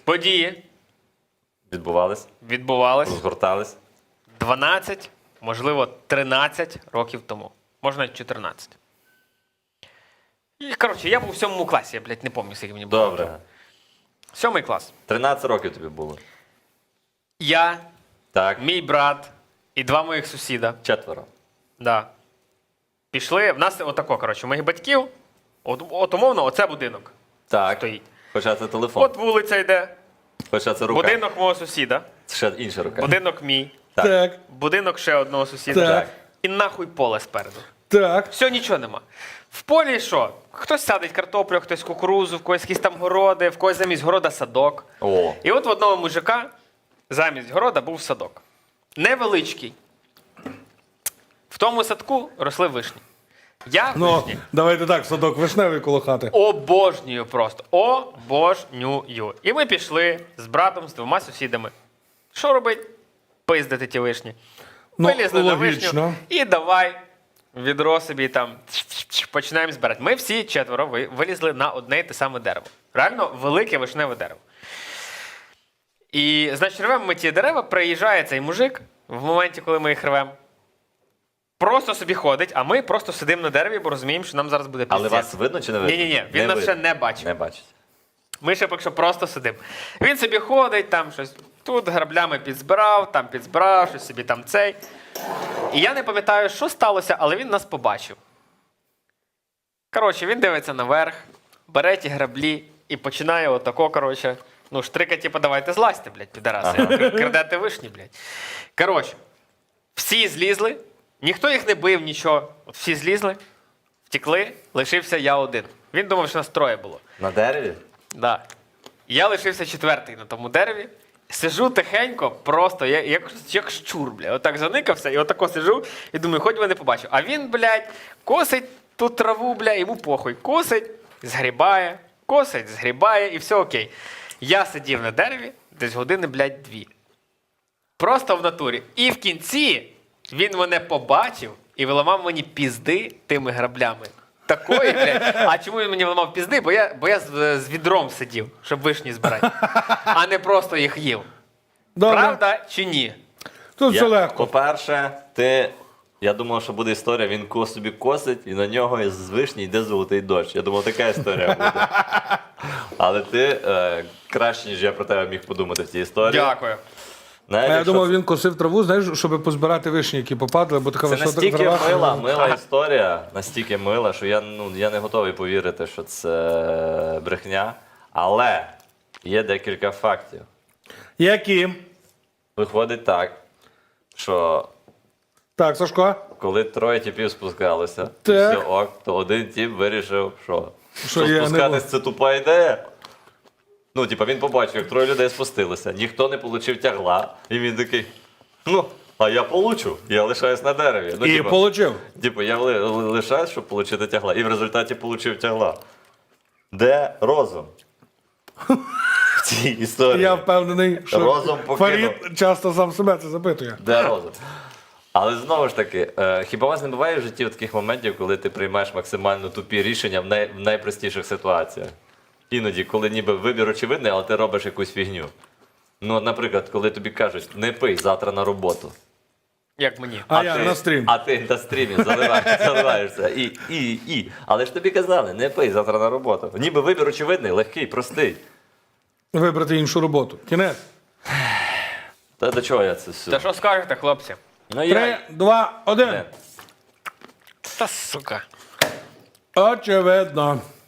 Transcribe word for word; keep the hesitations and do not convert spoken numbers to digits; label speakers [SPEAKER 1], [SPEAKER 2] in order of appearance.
[SPEAKER 1] Події
[SPEAKER 2] Відбувались,
[SPEAKER 1] відбувались
[SPEAKER 2] розгортались.
[SPEAKER 1] дванадцять, можливо, тринадцять років тому. Може, навіть чотирнадцять. І, коротше, я був в сьомому класі, я, блядь, не пам'ятаю, скільки мені було.
[SPEAKER 2] Добре.
[SPEAKER 1] Сьомий клас.
[SPEAKER 2] тринадцять років тобі було.
[SPEAKER 1] Я,
[SPEAKER 2] Так.
[SPEAKER 1] мій брат і два моїх сусіда.
[SPEAKER 2] Четверо.
[SPEAKER 1] Да. Пішли. В нас отако, коротше, у моїх батьків, от, от умовно, оце будинок
[SPEAKER 2] Так.
[SPEAKER 1] стоїть.
[SPEAKER 2] Хоча це телефон.
[SPEAKER 1] От вулиця йде,
[SPEAKER 2] Хоча це рука.
[SPEAKER 1] будинок мого сусіда,
[SPEAKER 2] Ще інша рука.
[SPEAKER 1] будинок мій,
[SPEAKER 2] Так.
[SPEAKER 3] Так.
[SPEAKER 1] будинок ще одного сусіда.
[SPEAKER 3] Так.
[SPEAKER 1] І нахуй поле спереду.
[SPEAKER 3] Так.
[SPEAKER 1] Все, нічого нема. В полі що? Хтось садить картоплю, хтось кукурузу, в когось якісь там городи, в когось замість города садок.
[SPEAKER 2] О.
[SPEAKER 1] І от в одного мужика замість города був садок. Невеличкий. В тому садку росли вишні. Я
[SPEAKER 3] Ну,
[SPEAKER 1] вишні
[SPEAKER 3] давайте так, садок вишневий коло хати.
[SPEAKER 1] обожнюю просто. Обожнюю. І ми пішли з братом, з двома сусідами. Що робить? Пиздити ті вишні.
[SPEAKER 3] Ну,
[SPEAKER 1] Вилізли на
[SPEAKER 3] логічно.
[SPEAKER 1] вишню і давай відро собі там починаємо збирати. Ми всі четверо ви- вилізли на одне й те саме дерево. Реально велике вишневе дерево. І, значить, рвемо ми ті дерева, приїжджає цей мужик в моменті, коли ми їх рвемо. Просто собі ходить, а ми просто сидимо на дереві, бо розуміємо, що нам зараз буде піздець.
[SPEAKER 2] Але вас видно чи не видно?
[SPEAKER 1] Ні-ні-ні, він нас
[SPEAKER 2] видно.
[SPEAKER 1] ще не бачив.
[SPEAKER 2] Не бачить.
[SPEAKER 1] Ми ще поки що просто сидимо. Він собі ходить, там щось тут граблями підзбирав, там підзбирав, щось собі там цей. І я не пам'ятаю, що сталося, але він нас побачив. Коротше, він дивиться наверх, бере ті граблі і починає отако, коротше, ну, штрика, типу, давайте злазьте, блядь, підараси, ага. Крадете вишні, блядь. Коротше, всі злізли, ніхто їх не бив, нічого. От всі злізли, втекли, лишився я один. Він думав, що нас троє було.
[SPEAKER 2] На дереві?
[SPEAKER 1] Да. Я лишився четвертий на тому дереві. Сижу тихенько, просто, я, як, як щур, бля. Отак заникався, і отако сижу, і думаю, хоч би не побачив. А він, блядь, косить ту траву, бля, йому похуй. Косить, згрібає, косить, згрібає, і все окей. Я сидів на дереві десь години, блядь, дві. Просто в натурі. І в кінці він мене побачив і виламав мені пізди тими граблями. Такої, блядь. А чому він мені виламав пізди? Бо я, бо я з, з відром сидів, щоб вишні збирати. А не просто їх їв.
[SPEAKER 3] Добре.
[SPEAKER 1] Правда чи ні?
[SPEAKER 3] Тут все
[SPEAKER 2] Я-
[SPEAKER 3] легко.
[SPEAKER 2] По-перше, ти... Я думав, що буде історія, він ко собі косить, і на нього з вишні йде золотий дощ. Я думав, така історія буде. Але ти е, краще, ніж я про тебе міг подумати в цій історії.
[SPEAKER 1] Дякую.
[SPEAKER 2] Навіть
[SPEAKER 3] А я
[SPEAKER 2] якщо
[SPEAKER 3] думав,
[SPEAKER 2] це-
[SPEAKER 3] він косив траву, знаєш, щоб позбирати вишні, які попадали, бо така
[SPEAKER 2] Це
[SPEAKER 3] висота
[SPEAKER 2] настільки
[SPEAKER 3] трава.
[SPEAKER 2] мила, мила історія, настільки мила, що я, ну, я не готовий повірити, що це брехня. Але є декілька фактів.
[SPEAKER 3] Які?
[SPEAKER 2] Виходить так, що
[SPEAKER 3] Так, Сашко.
[SPEAKER 2] коли троє типів спускалися, і
[SPEAKER 3] Так.
[SPEAKER 2] все ок, то один тип вирішив, що,
[SPEAKER 3] Що я не
[SPEAKER 2] спускатись
[SPEAKER 3] можу.
[SPEAKER 2] це тупа ідея. Ну, типа, він побачив, як троє людей спустилися, ніхто не отримав тягла, і він такий, ну, а я получу, я лишаюсь на дереві. Ну,
[SPEAKER 3] І
[SPEAKER 2] типа,
[SPEAKER 3] получив.
[SPEAKER 2] Типу, я ли- ли- лишаюсь, щоб отримати тягла, і в результаті отримав тягла. Де розум? В цій історії.
[SPEAKER 3] Я впевнений, що
[SPEAKER 2] Розум покинув.
[SPEAKER 3] Фарід часто сам себе це запитує.
[SPEAKER 2] Де розум? Але знову ж таки, е, хіба у вас не буває в житті таких моментів, коли ти приймаєш максимально тупі рішення в, най, в найпростіших ситуаціях? Іноді, коли ніби вибір очевидний, але ти робиш якусь фігню. Ну, от, наприклад, коли тобі кажуть, не пий завтра на роботу.
[SPEAKER 1] Як мені?
[SPEAKER 3] А, я
[SPEAKER 2] ти,
[SPEAKER 3] на стрім.
[SPEAKER 2] А ти на стрімі заливаєш, заливаєшся. І, і, і. Але ж тобі казали, не пий завтра на роботу. Ніби вибір очевидний, легкий, простий.
[SPEAKER 3] Вибрати іншу роботу. Кінець.
[SPEAKER 2] Та до чого я це все?
[SPEAKER 1] Та що скажете, хлопці?
[SPEAKER 2] Ну, я...
[SPEAKER 3] Три, два, один.
[SPEAKER 2] Не.
[SPEAKER 1] Та сука.
[SPEAKER 3] Очевидно.